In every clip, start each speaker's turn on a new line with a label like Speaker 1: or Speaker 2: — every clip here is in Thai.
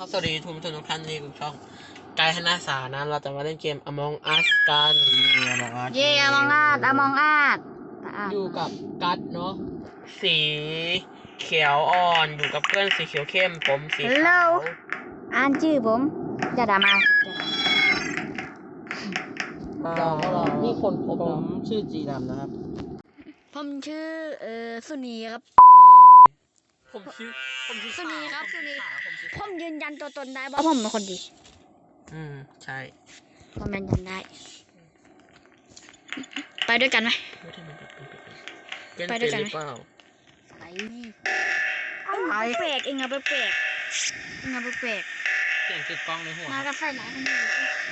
Speaker 1: ครับสวัสดีทุกท่านที่ดูช่องไกด์ธนาสานะเราจะมาเล่นเกม Among Us กัน
Speaker 2: เย่อมองอาด
Speaker 1: อยู่กับกัดเนาะสีเขียวอ่อนอยู่กับเพื่อนสีเขียวเข้มผมสีขาว
Speaker 2: อ่านชื่อผมจะด่ามา
Speaker 1: นี่คนพบ
Speaker 3: ผมชื่อจีดำนะครับ
Speaker 2: ผมชื่อสุนีครับ
Speaker 1: ผมชื่อ
Speaker 2: สุนีครับสุนี
Speaker 1: ผมชื่อ
Speaker 2: ผมยืนยันตัวตนได้ว่าผมเป็นคนดี
Speaker 1: ใช่
Speaker 2: ผมยืนยันได้ ไปด้วยกันไหม
Speaker 1: เป็น
Speaker 2: ไปด้วยกันไหม
Speaker 1: หรือเปล่า
Speaker 2: ไปแปลกเองอะแปลกเองอะแปลก
Speaker 1: เสียงติดกล้องในหัว
Speaker 2: มากับใส่ไหนกันอยู่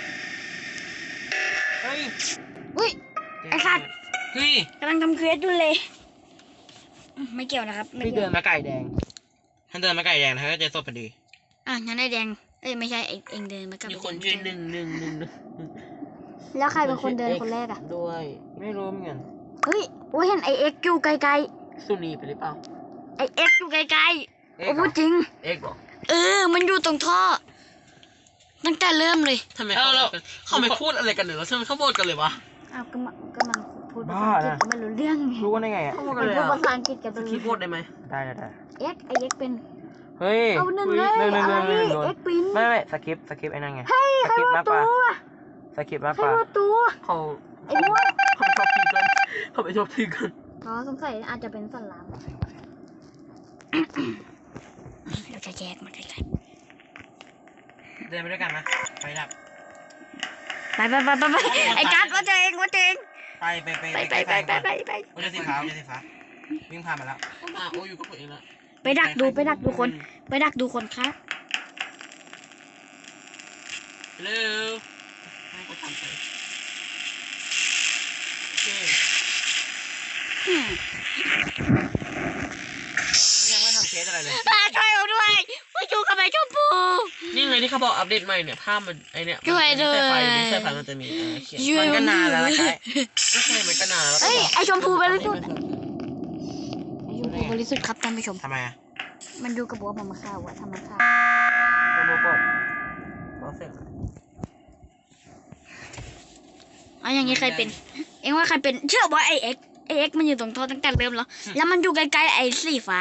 Speaker 1: เฮ้ย
Speaker 2: อุ้ย ไอ้สัตว์
Speaker 1: เฮ้ย
Speaker 2: กำลังทำเควสอยู่เลยไม่เกี่ยวนะครับไม่
Speaker 3: พี่
Speaker 2: เกี่
Speaker 3: เดิ
Speaker 2: ยวน
Speaker 3: มาไก่แดงท่านเดินมาไก่แดงท่านก็จะสดพอดี
Speaker 2: งั้นได้แดงเอ้ยไม่ใช่เองเดินมากับ
Speaker 1: มีคนชื่อหนึ่ง
Speaker 2: แล้วใครเป็นคนเดินคนแรกอะ
Speaker 1: ด้วย
Speaker 3: ไม่รู้เหมือนกัน
Speaker 2: เฮ้ยโอ้ยเห็นไอเอ็กอยู่ไกล
Speaker 1: สุนีไปหรือเปล่า
Speaker 2: ๆไอเอ็กอยู่ไกลๆโอ้พูดจริง
Speaker 1: เอ็กบอก
Speaker 2: มันอยู่ตรงท่อตั้งแต่เริ่มเลย
Speaker 1: ทำไมเขาไม่พูดอะไรกันเลยแล้วทำไมเขาโบดกันเลยวะ
Speaker 2: อ้าวก็มันพูดภาษาอังกฤษก็ไม่รู้เรื่องไง
Speaker 3: รู้ได้ไงอ่ะ
Speaker 1: เขาโบด
Speaker 2: มั
Speaker 1: กัน
Speaker 2: น
Speaker 1: เลย
Speaker 2: พูด
Speaker 1: อ่ะ
Speaker 2: ภาษาอังกฤษกัน
Speaker 1: คีย์บอร์ดได้ไหม
Speaker 3: ได้
Speaker 2: ไอเอ็กเป็น
Speaker 3: เฮ้ย
Speaker 2: เอาหนึ่งเลย
Speaker 3: หนึ่ง
Speaker 2: อะไร
Speaker 3: โด
Speaker 2: เอ็
Speaker 3: น
Speaker 2: กปิน
Speaker 3: ไม่สคริปไอ้นั่นไง ส
Speaker 2: ใคร
Speaker 3: คริป
Speaker 2: รู้
Speaker 3: มากก
Speaker 2: ตัว
Speaker 3: ว่าสคริปมาก
Speaker 2: ใคร
Speaker 3: กว่า
Speaker 2: รู้ตัว
Speaker 1: เขา
Speaker 2: ไอ้ม่วง
Speaker 1: เขาไม่ชอบทีกันเขาไม่ชอบทีกัน
Speaker 2: อ๋อสงสัยอาจจะเป็นสันหลังเราจะแยกมันไกล
Speaker 3: เดินไปด้วยกันนะไปดับ
Speaker 2: ๆไปไอ้กัสว่าเจง
Speaker 3: ไป
Speaker 2: ไป
Speaker 3: โอ้ยสีฟ้าวิ่งผ่านมาแล้ว
Speaker 1: โอ้อยู่กับตัวเองแล้ว
Speaker 2: ไปดักดูคนครับ
Speaker 1: เร็วให้เขาทำไปโอเค
Speaker 3: ยังไม่ทำเคสอะไรเลย
Speaker 2: ช่วยเราด้วยว่าอยู่กับไอ้ชมพู
Speaker 1: นี่ไงที่เขาบอกอัปเดตใหม่เนี่ยภาพมันไอเนี่ย
Speaker 2: ช่วยด้วย
Speaker 1: ไม่ใช่ไฟมันจะมีเขียน
Speaker 3: มันก็นานแล้วนะไก่
Speaker 1: ก็ใช่มันก็นานแล้ว
Speaker 2: เอ้ยไอ้ชมพูบริสุทธิ์ไอ้ชมพูบริสุทธิ์ครับท่านผู้ชม
Speaker 3: ทำไมอ่ะ
Speaker 2: มันอยู่กับบัวผมมาฆ่าวะทำไมฆ่า
Speaker 3: โรบอท
Speaker 1: เราเสร็จ
Speaker 2: อย่างนี้ใครเป็น เอ็งว่าใครเป็นเชื่อว่าไอเอ็กมันอยู่ตรงท่อตั้งแต่เริ่มแล้วมันอยู่ใกล้ๆไอ้สีฟ้า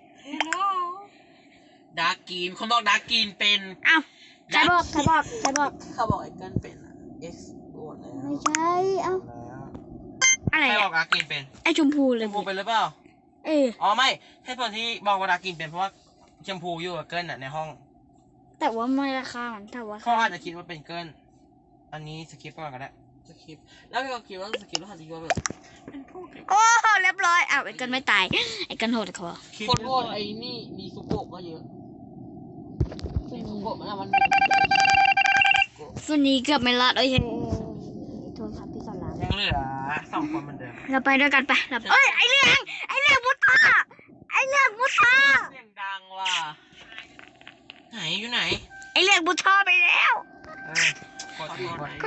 Speaker 1: ดาร์กกีนเขาบอกดาร์กกีนเป็น
Speaker 2: อ้าวใครบอก
Speaker 1: เขาบอกไอ้กันเป็นเอ็กซ์โดนแล้ว
Speaker 2: ไม่ใช่เอ้าอะไร
Speaker 3: ใครบอ
Speaker 2: อะ
Speaker 3: กดากินเป็น
Speaker 2: ไอ้ชมพูเล
Speaker 3: ช
Speaker 2: ย
Speaker 3: มพูเป็นหรือเปล่า อ๋อไม่ให้ผลที่บอกว่าดากินเป็นเพราะว่าชมพูอยู่กับเกิลน่ะในห้อง
Speaker 2: แต่ว่าไม่ราคามันแต่ว่า
Speaker 3: เขาอาจจะคิดว่าเป็นเกิลอันนี้สกิปก่อนก็ได้
Speaker 1: สคริปต์แล้วก็คิดว่าสคริปต์แล้วหันคิดว่าแบบเป็นพวก
Speaker 2: โอ้เรียบร้อยอ้าวไอ้กันไม่ตายไอ้กันโหดคอ
Speaker 1: คนโหวตไอ้นี่มีซุโกะก็เยอะมีซุโกะมัน
Speaker 2: ส่วนนี้เกือบไม่รอดเอ้ยโทษครับพี่สอนราม
Speaker 3: ยังเหลือ2 คนเหมือนเดิม
Speaker 2: เราไปด้วยกันไปเอ้ยไอ้เรื่องมุตา
Speaker 1: เสียงดังว่ะ
Speaker 3: ไหนอยู่ไหน
Speaker 2: ไอ้เรื่องมุตาไปแล้ว
Speaker 3: กด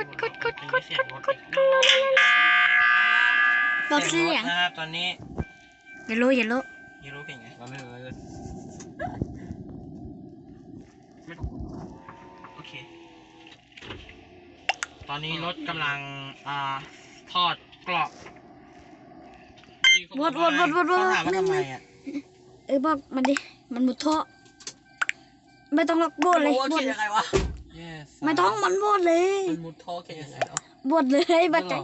Speaker 2: บอกเสียง
Speaker 3: นะครับตอนนี้
Speaker 2: อย่ารู้
Speaker 3: ยูรู้เก่งไงเราไม่รู้เลยโอเคตอนนี้รถกำลังทอดกรอบ
Speaker 2: วด
Speaker 3: เขาถามว่าทำไมอ่ะ
Speaker 2: บอกมันดิมันมุดท่อไม่ต้องล็อกบดเลย
Speaker 1: โอ้เขียนยังไงวะ
Speaker 3: Yes
Speaker 2: ไม่ต้องมันบดเลย
Speaker 1: มันมุดท่อเขียนยังไงเนาะ
Speaker 2: บดเลยบัดใจ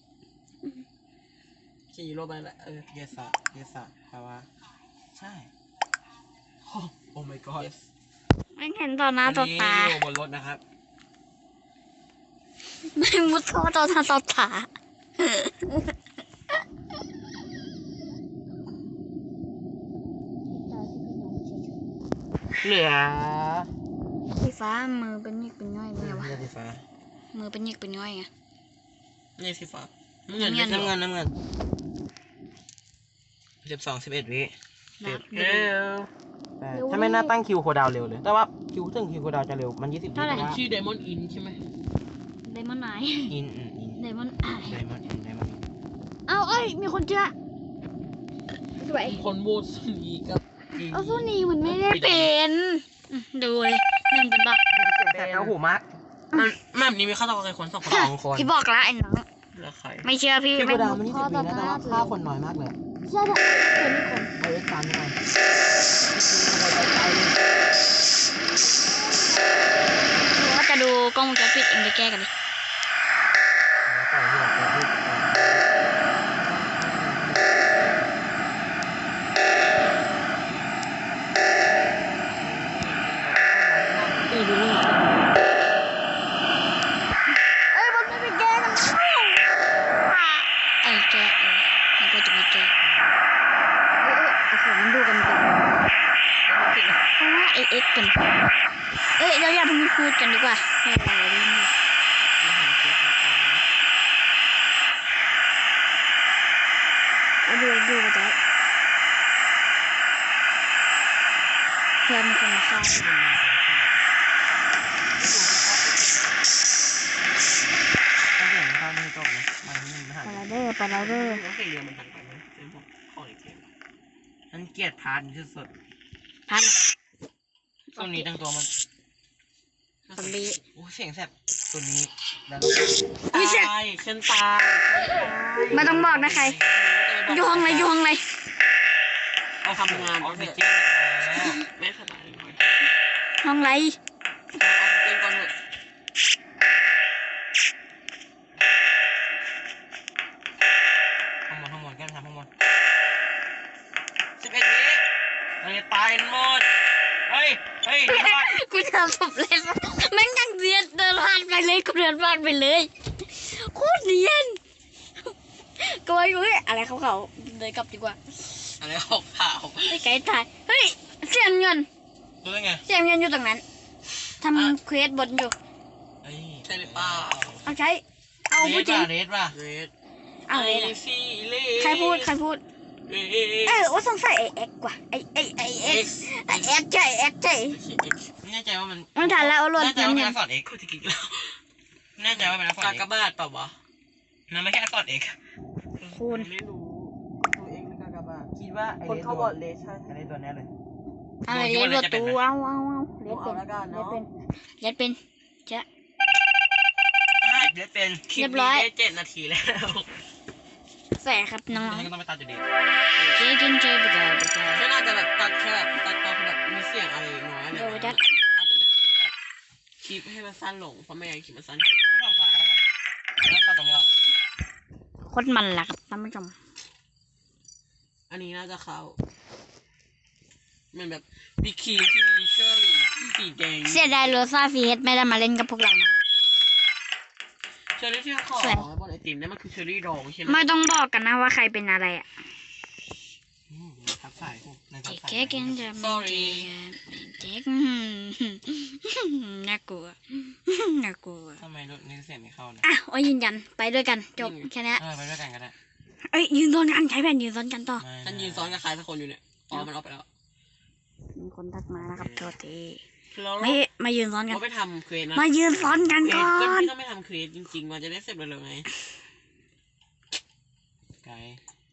Speaker 1: ขี่รถไปแหละ
Speaker 3: Yes Yes แปลว่าใช่
Speaker 1: โอ้ my god
Speaker 2: ไม่เห็นต่อหน้าต่อตา
Speaker 3: อยู่บนรถนะครับ
Speaker 2: ไม่มุดท่อต่อหน้าต่อตา
Speaker 3: เหลือ
Speaker 2: สีฟ้ามือเป็นยิกเป็นย่อยไงวะ
Speaker 3: สีฟ้า
Speaker 2: มือเป็นยิกเป็นย่อยไง
Speaker 1: นี่สีฟ้า
Speaker 3: น้ำเงิน12 11 วิ
Speaker 2: นับ
Speaker 1: เร็ว
Speaker 3: ถ้าไม่น่าตั้งคิวโคดาวเร็วเลย แต่ว่าคิวโคดาวจะเร็ว มัน20 วิ
Speaker 2: เท่าไหร่
Speaker 1: ชื่อไดมอนด์อินใช่ไหม
Speaker 2: ไดมอนด์ไหน
Speaker 3: อิน
Speaker 2: ไดมอนด์ไอ
Speaker 3: ไดมอนด์
Speaker 2: เอาเอ้ยมีคนเจอสวย
Speaker 1: คนโหวตสุนีกับ
Speaker 2: เอาสู้นี่มันไม่ได้เป็นดูเลยหนึ่งเป็นปะ
Speaker 3: แต่เอาหูมาก
Speaker 1: มันนี้มีฆาตกรกี่คน2 คน
Speaker 3: 2 คน
Speaker 2: พี่บอกละไอ้น้อง
Speaker 1: แล้วใคร
Speaker 2: ไม่เชื่อพี่
Speaker 3: พี่
Speaker 2: ไม่
Speaker 3: โบดามัน20 ปีแล้วแต่ว่าฆ่าคนน้อยมากเลย
Speaker 2: ใช่เป็นคน
Speaker 3: เอาเอ็กซ์ตามไปก่อน
Speaker 2: ว่าจะดูกล้องวงจรปิดเองไปแก้กันดิ
Speaker 3: นี่ดูนี่
Speaker 2: เอ้ยมันไม่ไปแก้กันไอ้แก้มันก็จะไม่แก้โอ้โหมันดูกันเป็นเพราะว่าไอเอ็กซ์กันเราอย่าเพิ่งพูดกันดีกว่าดูไปจ้ะเพื่อนมีคนมาฆ่าไปแล้วเด้อ
Speaker 1: แล้วเรียนมันทันไปไหมเป็นพวกข้ออีกเกม
Speaker 3: ฉันเกลียดพาร์ทที่สุด
Speaker 2: พัน
Speaker 3: ตัวนี้ทั้งตัวมัน
Speaker 2: สำลี
Speaker 3: โอ้เสียงแซ่บตัวนี้แล้ว
Speaker 1: ตายฉันตาย
Speaker 2: ไม่ต้องบอกนะใครอยู่ห้องอะไร
Speaker 1: เอาทำงาน
Speaker 3: อ
Speaker 1: เอา
Speaker 3: อก
Speaker 1: เถ
Speaker 3: ซิ
Speaker 1: อะ
Speaker 3: เจน
Speaker 1: ไม่สบายเลย
Speaker 2: ห้องไร
Speaker 1: เอาเต้นก่อนเถอะ
Speaker 3: ทั้งหมดกันทำทั้งหมด11 วิเราจะตายหมดเฮ้ยเดี๋ยวก่อน
Speaker 2: กูทำสำเร็จแม่งยังเรียนเดินผ่านไปเลยกูเดินผ่านไปเลยโคตรเรียนก็ว่าอยู่อะไรเขาเดินกลับดีกว่า
Speaker 3: อะไรออกข่าว
Speaker 2: ไอ้ไก่ตายเฮ้ยเสียงเงิน
Speaker 3: รู้ได้ไง
Speaker 2: เสียงเงินอยู่ตรงนั้นทำเควสบนอยู่
Speaker 1: ใช่หรือเปล่า
Speaker 2: เอาใช้เอาผู้จริง
Speaker 3: เรดป่ะ
Speaker 1: เรด
Speaker 2: เอาเลยนะ
Speaker 1: ซีเล
Speaker 2: ใครพูดว่าสงสัยไอเอ็กกว่าไอเอ็กใช่เอ็กใช่
Speaker 3: แน่ใจว่ามัน
Speaker 2: มันทันแล้วเอาหล่น
Speaker 3: แน่ใจว่าเป็นอักษรเอก
Speaker 1: กูจะกินแล้ว
Speaker 3: แน่ใจว่าเป็นอักษร
Speaker 1: กา
Speaker 3: เอก
Speaker 1: กบาทเปล่าวะ
Speaker 3: มันไม่ใช่อักษรเอก
Speaker 2: คูณ
Speaker 1: ไม่รู้ตัวเองเป็นกากบาท
Speaker 3: คิดว่าไอ้
Speaker 1: คนเข้าบอร์ดเลสใช่
Speaker 3: ไอ้ตัวแน่เลย
Speaker 2: อะไรเรียนประตูเอาเรียน
Speaker 1: เอาละกันเนาะ
Speaker 2: เป็นจะ
Speaker 3: เดี๋ยวเป็น
Speaker 1: คลิปนี้ได้7 นาทีแล้ว
Speaker 2: แสครับน้อง
Speaker 3: ฉันก็ต้องไปตัดอยู่ดี
Speaker 2: ๆเจ๊กินเจไปจ้า
Speaker 1: ฉันอาจจะแบบตัดแค่แบบตัดตอนแบบมีเสียงอะไรน้อยอะไรอาจจะไม่ตัดคลิปให้มันสั้นลงเพราะไม่งั้นคลิปมันสั้นเกิน
Speaker 3: ต้องฝั่งซ้ายแล้วตัดตรงนี้
Speaker 2: โคตรมันล่ะครับท่านผู้ชม
Speaker 1: อันนี้น่าจะเข้ามันแบบมีครีมที่มีเชอร์รี่สีแดง
Speaker 2: เสียดายโรซ่าฟีเฮดไม่ได้มาเล่นกับพวกเรานะครับ
Speaker 1: เชอร์รี่ที่เขาขอบนไอติมนั่นมันคือเชอร์รี่ดองใช่ไหม
Speaker 2: ไม่ต้องบอกกันนะว่าใครเป็นอะไรอ่ะ
Speaker 3: ทับสายในทับสาย
Speaker 2: เจ๊กินจะไม่เจ๊น่ากลัวน่ากลัว
Speaker 3: ทำไมรถนี้เสียงไม่เข้าเนี่ย
Speaker 2: อ่ะโอ้ยยืนยันไปด้วยกันจบแค่นี้
Speaker 3: ไปด้วยกันก็ได้
Speaker 2: เอ้ยยืนซ้อนกันใช้แผ่นยืนซ้อนกันต่อ
Speaker 1: ฉันยืนซ้อนกับใครสักคนอยู่เนี่ยอ๋อมันออกไปแล้ว
Speaker 2: มีคนทักมานะครับโทษที
Speaker 1: แล้ว
Speaker 2: ไม่มายืนซ้อนกัน
Speaker 1: เราไปทำเควสนะ
Speaker 2: มายืนซ้อนกัน
Speaker 1: เคว
Speaker 2: ก่อ
Speaker 1: สก็
Speaker 2: น
Speaker 1: พี่ต้องไปทำเควสจริงๆมันจะได้เสร็จเร็วๆไง
Speaker 3: ไกล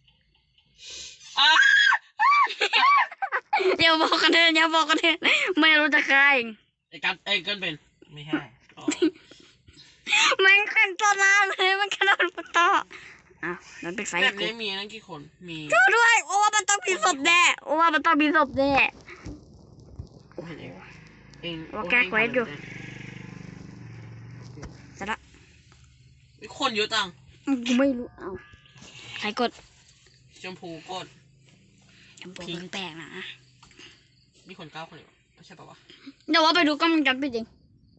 Speaker 2: อย่าบอกกันเถอะอย่าบอกกันเถอะไม่รู้จะใคร
Speaker 1: ไอ้กัดไอ้เกินเป็น
Speaker 3: ไม่ใช่
Speaker 1: อ๋อ
Speaker 2: มันขึ้นต้นน้ำเลยมันกระโดดปุ๊บต่ออ้าวนั่นเป็นไฟ
Speaker 1: แบบ
Speaker 2: กู
Speaker 1: นี้มีนั่นกี่คนมี
Speaker 2: ช่วยด้วยโอ้ว่ามันต้องมีศพแน่โอ้ว่ามันต้องมีศพแน่
Speaker 1: เห็นเองเอง
Speaker 2: ว่าแก้เควสอยู่ เสร็จละ
Speaker 1: มีคนเยอะจัง
Speaker 2: กูไม่รู้เอ้าใครกด
Speaker 1: ชมพูกด
Speaker 2: ชมพูมันแปลกนะ
Speaker 1: มีคน9 คนอยู่ไม่ใช่ปะวะ
Speaker 2: เดี๋ยวว่าไปดูกล้องวงจรปิดจริง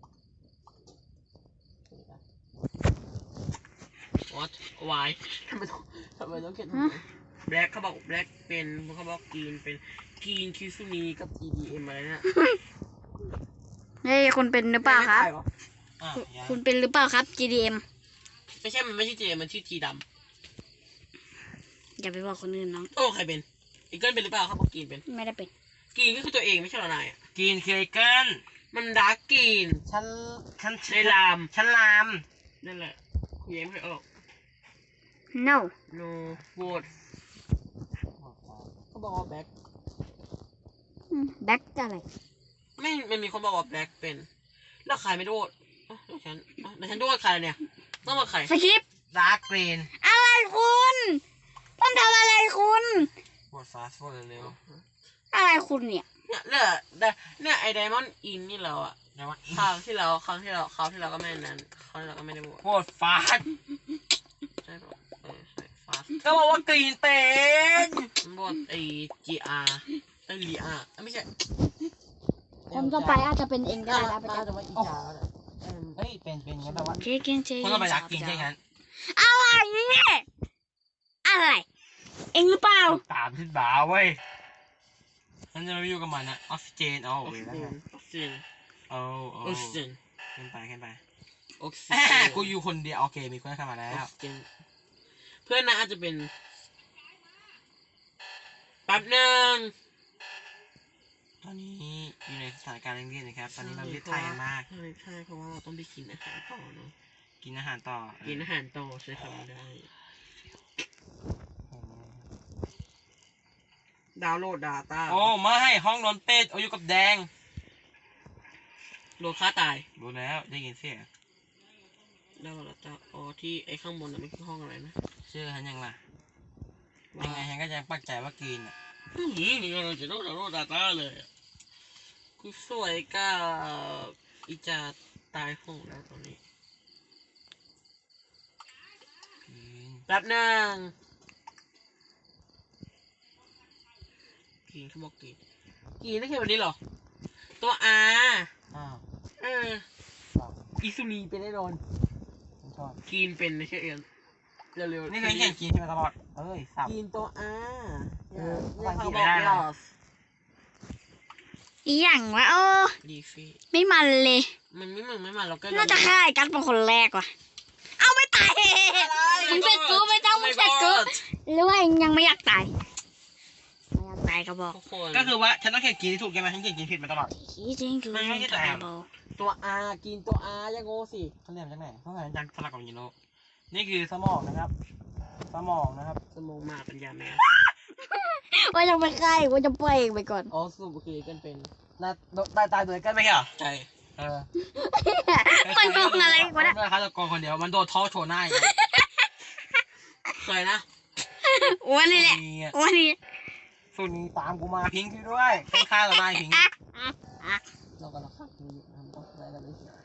Speaker 1: What why ทำไมต้องเขียนแบล็คเขาบอกแบล็คเป็นเขาบอกกรีนเป็นกรีนคิซูนีกับ EDM อะไรเนี่ย
Speaker 2: เฮ้ยคุณเป็นหรือเปล่าครับ
Speaker 3: ยัง
Speaker 2: คุณเป็นหรือเปล่าครับ GDM
Speaker 1: ไม่ใช่มันไม่ใช่เจมันชื่อจีด
Speaker 2: อย่าไปบอกคนอื่นน้อง
Speaker 1: ำโอ้ใครเป็นอีเกิลเป็นหรือเปล่าเขาบอกกรีนเป็น
Speaker 2: ไม่ได้เป็น
Speaker 1: กรีนก็คือตัวเองไม่ใช่เหรอนายอะ
Speaker 3: กินเคยเกิน
Speaker 1: มันดาร์กกรีน
Speaker 3: ฉัน
Speaker 1: ในลาม
Speaker 3: ฉันลาม
Speaker 1: นั่นแหละคุยยังไม่ออก
Speaker 2: no
Speaker 1: no vote เขาบอกว่าแบ็ค
Speaker 2: แบ็คอะไร
Speaker 1: ไม่มีคนบอกว่าแบล็คเป็นแล้วใครไม่โดดเดี๋ยวฉันโดดใครเนี่ยต้องมาใคร
Speaker 2: สคริปต์
Speaker 3: ดาร์กเกรน
Speaker 2: อะไรคุณต้องทำอะไรคุณ
Speaker 3: โหวตฟาสโหวตเร็ว
Speaker 2: อะไรคุณเนี่ย
Speaker 1: เนี่ยไอไดมอนด์อินนี่เราอะ
Speaker 3: ๆนะวะ
Speaker 1: คราวที่เราก็ไม่นั้นคราวที่เราก็ไม่ได้โหวต
Speaker 3: โหวตฟาส
Speaker 1: ใช่ปะใช่ฟาส
Speaker 3: ก็บอกว่ากรีนเป็น
Speaker 1: โหวตไอ GR ไอลีอาไม่ใช่
Speaker 2: คนต่อไปอาจจะเป็นเองก็ได้นะ
Speaker 1: น่าจะว่าอีจาแล้ว
Speaker 3: เฮ้ยเป็นงั้นแปลว่า
Speaker 2: เจ๊เก่งเจ๊
Speaker 3: คนต้องไปรักกินใช่งั้น
Speaker 2: อะไรเนี่ยอะไรเองหรือเปล่า
Speaker 3: ตามขึ้นบ่าเว้ยฉันจะมาอยู่กับมันนะออกซิเจนเอา
Speaker 1: ออก
Speaker 3: เว้
Speaker 1: ซิ
Speaker 3: ย
Speaker 1: เจ
Speaker 3: แล้ว
Speaker 1: นออกซิเจน
Speaker 3: เอา
Speaker 1: ออกซิเจน
Speaker 3: ขึ้นไป
Speaker 1: ออกซิเจ
Speaker 3: แหม่
Speaker 1: น
Speaker 3: กูอยู่คนเดียวโอเคมีคนเข้ามาแล้ว
Speaker 1: เพื่อนนะอาจจะเป็นแป๊บหนึ่ง
Speaker 3: ตอนนี้อยู่ในสถานการณ์เร่งรีบนะครับ ตอนนี้เราเรียกไทยกันมาก
Speaker 1: ใช่เพราะว่าเราต้องไปกินอาหารต่อเนาะ
Speaker 3: กินอาหารต่อ
Speaker 1: กินอาหารต่อใช้คำนี้ได้ดาวน์โหลด Data
Speaker 3: โอ้ไม่ห้องนอนเป็ดเอาอยู่กับแดง
Speaker 1: โหลดค่าตาย
Speaker 3: รู้แล้วได้ยินเสียง
Speaker 1: ดาวน์โหลด Data อ๋อที่ไอ้ข้างบนน่ะไม่คือห้องอะไรนะ
Speaker 3: ชื่อฉันยังล่ะยังไงฉันก็ยังปักใจว่ากินอ่ะ
Speaker 1: เราจะต้องดาวน์โหลด Data เลยอะกูสวยกับอีจาตายโหงแล้วตอนนี้
Speaker 3: กิน
Speaker 1: แป๊บหนึ่งกินเขาบอกกินได้แค่วันนี้เหรอ ตัว R
Speaker 3: อ้าว
Speaker 1: เอออิซุนีเป็นแน่นอน
Speaker 3: ฉันชอบ
Speaker 1: กินเป็นไม่ใช่เอ็นเร็วๆ
Speaker 3: นี่เคยเห็นกินที่มาตลอดเอ้ยสับ
Speaker 1: กินตัว R
Speaker 3: บางที
Speaker 1: เขา
Speaker 3: ไม่
Speaker 1: บอก
Speaker 3: ได้นะ
Speaker 1: ยอส
Speaker 2: อีหยังวะโอ้
Speaker 1: ดีฟี่
Speaker 2: ไม่มันเลย
Speaker 1: มันไม่เหมือนไม่มาเราก็
Speaker 2: น่าจะฆ่าไอ้กัสเป็นคนแรกว่ะเอาไม่ตายมึงเสร็จกูไม่ต้องมึงเสร็จกูหรือว่าเองยังไม่อยากตายไม่อยากตายก็บอก
Speaker 1: ทุกคน
Speaker 3: ก็คือว่าฉันต้องเขียนกินที่ถูกใช่ไหมฉันเขียนกินผิดมาตลอด
Speaker 2: จริงคือ
Speaker 3: มันไม่ใช่แต่
Speaker 1: ตัว R กินตัว R อยังโง่สิ
Speaker 3: เขาเรียนมาจากไหนเขาเรียนจากสลักกับยิโนนี่คือสมองนะครับ สมองนะครับ
Speaker 1: สมองมาปัญญาแม่
Speaker 2: ว่าจะไปฆ่าอีกว่าจะปล่อยเองไปก่อน
Speaker 1: อ๋อสรุปคือกันเป็น
Speaker 3: ตายโดยกันไม่ใช่เหรอ
Speaker 1: ใช่
Speaker 3: เออ
Speaker 2: มันงงอะไรวะเนี่ย
Speaker 3: มันเป็นฆาตกรคนเดียวมันโดนท้อโชว์หน้าอย่างเงี้ย
Speaker 1: เคยนะ
Speaker 2: อ้วนนี่แหละ
Speaker 3: ส่วนนี้อะ
Speaker 2: อ้วนนี่
Speaker 3: ส่วนนี้ตามกูมาพิงค์ด้วยต้องฆ่าต่อหน้าพิงค์
Speaker 1: เรากำลังขัดอยู่ทำต้องอะไรกันไม่เสีย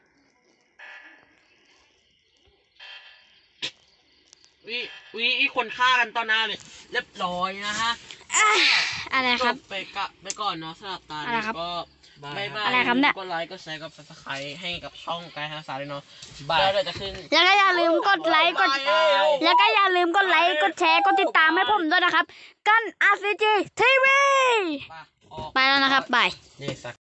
Speaker 1: วิคนฆ่ากันตอนหน้าเลยเรียบร้อยนะฮะ
Speaker 2: อะไรครับ
Speaker 1: จไปก่อนเนาะสำหรับตา
Speaker 2: อะไร
Speaker 1: นี้
Speaker 2: ครับ
Speaker 1: ก็บายบาย
Speaker 2: อะไรครับเนี่ย
Speaker 1: กดไลค์กดแชร์กด subscribe ให้กับช่องกายฮาสาเลยเนาะ
Speaker 3: บาย
Speaker 1: แล้วเดี๋ยวจะขึ้น
Speaker 2: แล้วก็อย่าลืมกดไลค์กด แล้วก็อย่าลืมกดไลค์กดแชร์กดติดตามให้ผมด้วยนะครับ กัน RCG TV
Speaker 1: ออก
Speaker 2: ไปแล้วนะครับบาย
Speaker 3: นี่สัก